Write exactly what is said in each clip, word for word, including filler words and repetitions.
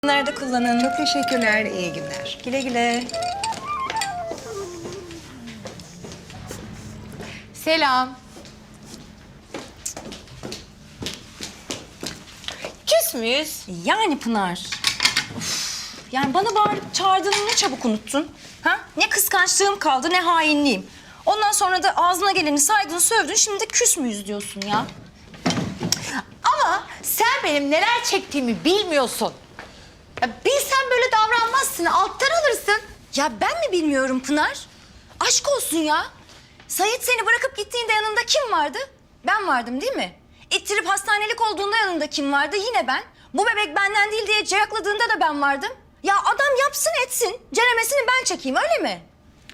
Nerede kullanın? Çok teşekkürler, iyi günler. Güle güle. Selam. Küs müyüz? Yani Pınar. Of, yani bana bağırıp çağırdığını ne çabuk unuttun. Ha? Ne kıskançlığım kaldı ne hainliğim. Ondan sonra da ağzına geleni saydın sövdün şimdi de küs müyüz diyorsun ya. Ama sen benim neler çektiğimi bilmiyorsun. Ya bilsen böyle davranmazsın, alttan alırsın. Ya ben mi bilmiyorum Pınar? Aşk olsun ya. Sait seni bırakıp gittiğinde yanında kim vardı? Ben vardım değil mi? İttirip hastanelik olduğunda yanında kim vardı? Yine ben. Bu bebek benden değil diye cayakladığında da ben vardım. Ya adam yapsın etsin. Ceremesini ben çekeyim öyle mi?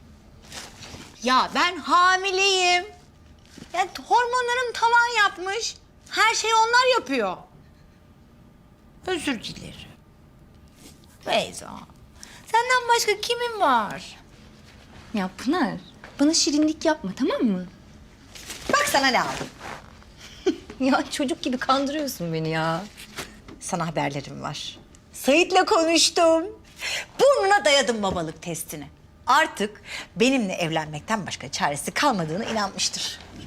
Ya ben hamileyim. Ya hormonlarım tavan yapmış. Her şeyi onlar yapıyor. Özür dilerim. Beyza, senden başka kimin var? Ya Pınar bana şirinlik yapma tamam mı? Bak sana ne aldım. Ya çocuk gibi kandırıyorsun beni ya. Sana haberlerim var. Sait'le konuştum. Burnuna dayadım babalık testini. Artık benimle evlenmekten başka çaresi kalmadığına inanmıştır.